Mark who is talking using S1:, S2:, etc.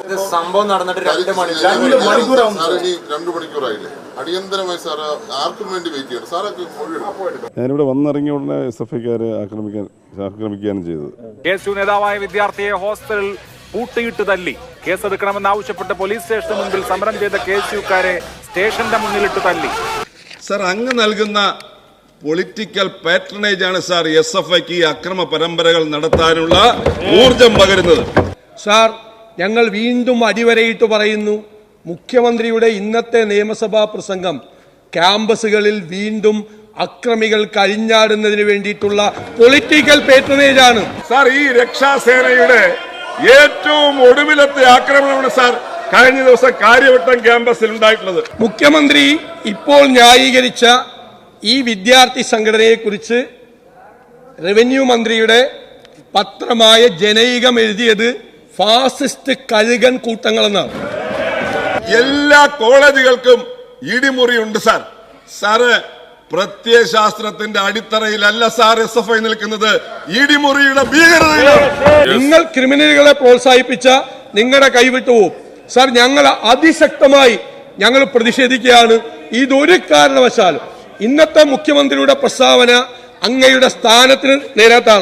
S1: സംഭവം നടന്നിട്ട് 2
S2: മണിക്കൂറായില്ലേ? അടിയന്തരമായി സാർ ആർക്കും വേണ്ടി വെയിറ്റ് ചെയ്യണം. സാറൊക്കെ
S3: ഞാനിവിടെ വന്നിറങ്ങിയ ഉടനെ SFIക്കാരെ ആക്രമിക്കുകയാണ് ചെയ്തത്.
S4: KSU നേതാവായ വിദ്യാർത്ഥിയെ ഹോസ്റ്റലിൽ പൂട്ടിയിട്ട് തല്ലി. കേസെടുക്കണമെന്നാവശ്യപ്പെട്ട് പോലീസ് സ്റ്റേഷന് മുൻപിൽ സമരം ചെയ്ത KSUക്കാരെ സ്റ്റേഷന്റെ മുന്നിലിട്ട് തല്ലി.
S5: സാർ, അങ്ങ് നൽകുന്ന പൊളിറ്റിക്കൽ പാട്രണേജ് ആണ് സാർ SFIക്ക് ഈ അക്രമ പരമ്പരകൾ നടത്താനുള്ള ഊർജം പകരുന്നത്.
S6: സാർ, ഞങ്ങൾ വീണ്ടും അടിവരയിട്ട് പറയുന്നു, മുഖ്യമന്ത്രിയുടെ ഇന്നത്തെ നിയമസഭാ പ്രസംഗം ക്യാമ്പസുകളിൽ വീണ്ടും അക്രമികൾ കഴിഞ്ഞാടുന്നതിന് വേണ്ടിയിട്ടുള്ള പൊളിറ്റിക്കൽ പാട്രണേജ് ആണ്.
S5: സാർ, ഈ രക്ഷാസേനയുടെ ഏറ്റവും ഒടുവിലത്തെ ആക്രമണമാണ് സാർ കഴിഞ്ഞ ദിവസം കാര്യവട്ടം ക്യാമ്പസിൽ ഉണ്ടായിട്ടുള്ളത്.
S6: മുഖ്യമന്ത്രി ഇപ്പോൾ ന്യായീകരിച്ച ഈ വിദ്യാർത്ഥി സംഘടനയെ കുറിച്ച് റവന്യൂ മന്ത്രിയുടെ പത്രമായ ജനൈകം എഴുതിയത് ഫാസിസ്റ്റ് കഴുകൻ കൂട്ടങ്ങളെന്നാണ്.
S5: എല്ലാ കോളേജുകൾക്കും ഇടിമുറി ഉണ്ട് സാർ. സാറ് പ്രത്യയശാസ്ത്രത്തിന്റെ അടിത്തറയിലല്ല സാർ SFI നിൽക്കുന്നത്, ഇടിമുറിയുടെ ഭീകരതയിലാണ്.
S6: നിങ്ങൾ ക്രിമിനലുകളെ പ്രോത്സാഹിപ്പിച്ച നിങ്ങളുടെ കൈവിട്ടുപോകും സാർ. ഞങ്ങൾ അതിശക്തമായി പ്രതിഷേധിക്കുകയാണ്. ഇതൊരു കാരണവശാലും ഇന്നത്തെ മുഖ്യമന്ത്രിയുടെ പ്രസ്താവന അങ്ങയുടെ സ്ഥാനത്തിന് നേരത്താണ്.